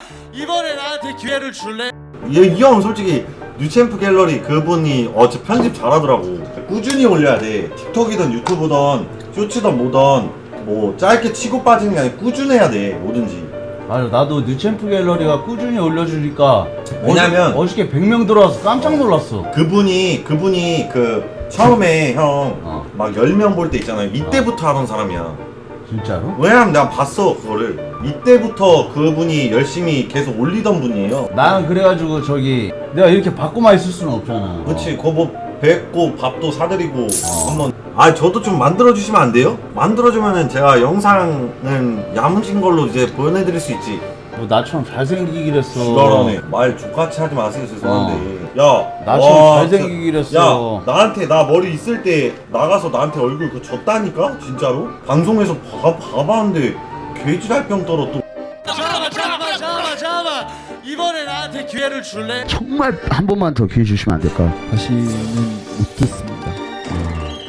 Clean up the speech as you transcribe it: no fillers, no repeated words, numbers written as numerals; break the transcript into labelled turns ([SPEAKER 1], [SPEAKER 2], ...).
[SPEAKER 1] 이번에 나한테 기회를 줄래?
[SPEAKER 2] 이 형 솔직히 뉴챔프 갤러리 그분이 저 편집 잘하더라고. 꾸준히 올려야 돼. 틱톡이든 유튜브든 쇼츠든 뭐든 뭐 짧게 치고 빠지는 게 아니라 꾸준해야 돼. 뭐든지.
[SPEAKER 3] 맞아, 나도 뉴챔프 갤러리가 꾸준히 올려주니까
[SPEAKER 2] 왜냐면
[SPEAKER 3] 어저께 100명 들어와서 깜짝 놀랐어.
[SPEAKER 2] 그분이 그 처음에 형 막 10명 볼 때 있잖아요. 이때부터 하던 사람이야.
[SPEAKER 3] 진짜로?
[SPEAKER 2] 왜냐면 내가 봤어 그거를. 이때부터 그분이 열심히 계속 올리던 분이에요.
[SPEAKER 3] 나는 그래가지고 저기 내가 이렇게 받고만 있을 수는 없잖아.
[SPEAKER 2] 그렇지. 그거 뭐 뵙고 밥도 사드리고 한번. 저도 좀 만들어주시면 안 돼요? 만들어주면은 제가 영상은 야무진 걸로 이제 보내드릴 수 있지.
[SPEAKER 3] 뭐 나처럼 잘생기길 했어.
[SPEAKER 2] 지랄하네. 말 족같이 하지 마세요. 죄송한데. 야,
[SPEAKER 3] 나처럼
[SPEAKER 2] 와,
[SPEAKER 3] 잘생기길
[SPEAKER 2] 진짜.
[SPEAKER 3] 했어.
[SPEAKER 2] 야, 나한테 나 머리 있을 때 나가서 나한테 얼굴 그거 줬다니까? 진짜로? 방송에서 봐봤는데 개지랄병 떨어 또.
[SPEAKER 1] 잠깐만. 이번에 나한테 기회를 줄래?
[SPEAKER 3] 정말 한 번만 더 기회 주시면 안 될까요?
[SPEAKER 4] 다시는